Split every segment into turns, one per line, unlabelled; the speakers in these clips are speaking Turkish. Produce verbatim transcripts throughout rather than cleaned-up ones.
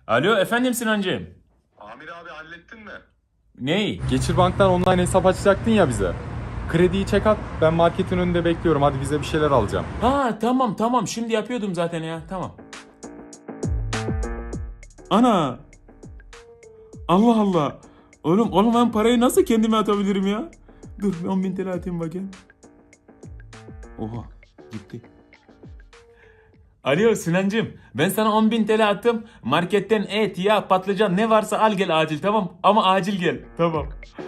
Alo efendim Sinancığım.
Amir abi hallettin mi?
Ney?
Geçir Bank'tan online hesap açacaktın ya bize. Krediyi çek at. Ben marketin önünde bekliyorum. Hadi bize bir şeyler alacağım.
Ha tamam tamam şimdi yapıyordum zaten ya tamam. Ana. Allah Allah. Oğlum oğlum ben parayı nasıl kendime atabilirim ya? Dur on bin T L atayım bakayım. Oha gitti. Alo Sinancığım ben sana on bin T L attım. Marketten et, yağ, patlıcan ne varsa al gel acil tamam. Ama acil gel tamam.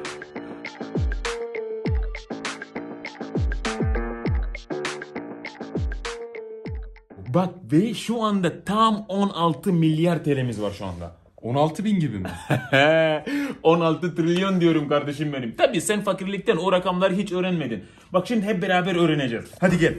Bak ve şu anda tam on altı milyar T L'miz var şu anda.
on altı bin gibi mi?
on altı trilyon diyorum kardeşim benim. Tabii sen fakirlikten o rakamları hiç öğrenmedin. Bak şimdi hep beraber öğreneceğiz. Hadi gel.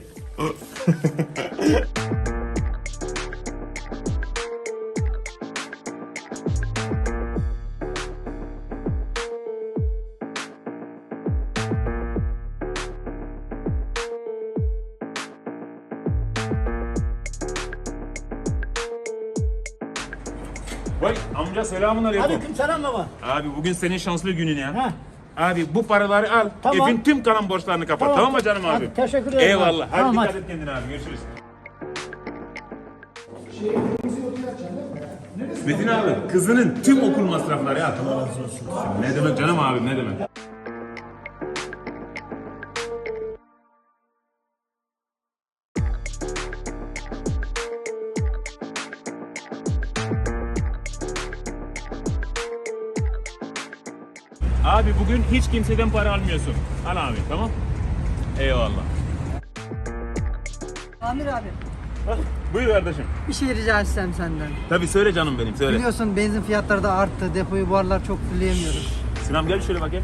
Vay amca selamun aleyküm.
Aleyküm selam baba.
Abi bugün senin şanslı günün ya.
Ha.
Abi bu paraları al.
Tamam.
Evin tüm kalan borçlarını kapat. Tamam,
Tamam.
mı canım abi?
Hadi, teşekkür ederim
Eyvallah.
abi.
Hadi
Tamam,
dikkat
hadi.
et kendine abi. Görüşürüz. Metin abi kızının tüm okul masrafları ya. Allah razı olsun. Ne demek canım abi ne demek. Abi bugün hiç kimseden para almıyorsun. Al abi tamam. Eyvallah.
Amir abi,
Hah, buyur kardeşim.
bir şey rica etsem senden.
Tabii söyle canım benim söyle.
Biliyorsun benzin fiyatları da arttı. Depoyu bu aralar çok fulleyemiyoruz.
Sinem gel şöyle bakayım.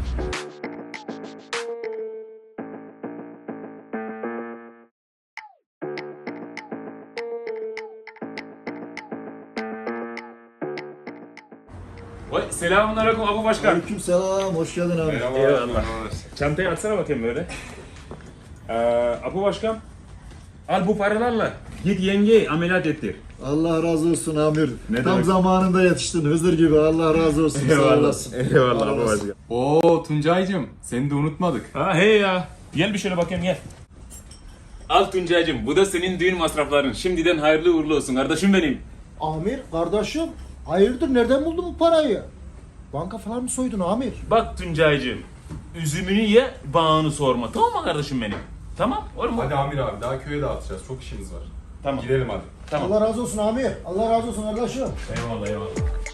Vay selamünaleyküm Abu Başkan.
Aleykümselam, hoş geldin abi.
Eyvallah. Çantayı atsana bakayım böyle. Ee, Abu Başkan. Al bu paralarla git yengeyi ameliyat ettir.
Allah razı olsun Amir.
Ne
Tam
demek?
zamanında yetiştin, Hızır gibi. Allah razı olsun, sağ olasın.
Eyvallah
Allah
Abu
razı
Başkan.
Oo Tuncay'cım seni de unutmadık.
Ha hey ya. Gel bir şöyle bakayım gel. Al Tuncay'cım bu da senin düğün masrafların. Şimdiden hayırlı uğurlu olsun kardeşim benim.
Amir kardeşim hayırdır nereden buldun bu parayı? Banka falan mı soydun Amir?
Bak Tuncay'cım. Üzümünü ye, bağını sorma. Tamam mı kardeşim benim? Tamam oğlum mu?
Hadi Amir abi daha köye dağıtacağız. Çok işimiz var.
Tamam.
Gidelim hadi.
Tamam.
Allah razı olsun Amir. Allah razı olsun kardeşim.
Eyvallah eyvallah.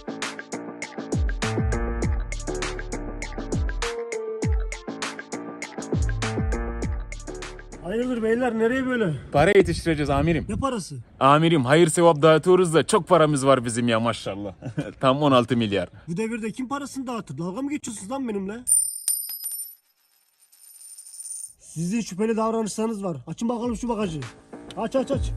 Hayırdır beyler nereye böyle?
Para yetiştireceğiz amirim.
Ne parası?
Amirim hayır sevap dağıtıyoruz da çok paramız var bizim ya maşallah. Tam on altı milyar.
Bu devirde kim parasını dağıtır? Dalga mı geçiyorsunuz lan benimle? Sizin şüpheli davranışlarınız var. Açın bakalım şu bagajı. Aç aç aç.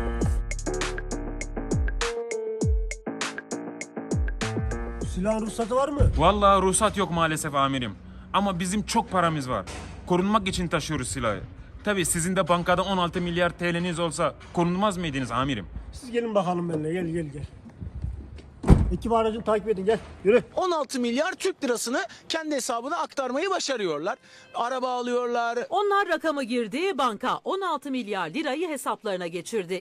Bu silahın ruhsatı var mı?
Vallahi ruhsat yok maalesef amirim. Ama bizim çok paramız var. Korunmak için taşıyoruz silahı. Tabii sizin de bankada on altı milyar T L'niz olsa korunmaz mıydınız amirim?
Siz gelin bakalım benimle gel gel gel. Ekip aracını takip edin gel yürü.
on altı milyar Türk lirasını kendi hesabına aktarmayı başarıyorlar. Araba alıyorlar.
Onlar rakamı girdi, banka on altı milyar lirayı hesaplarına geçirdi.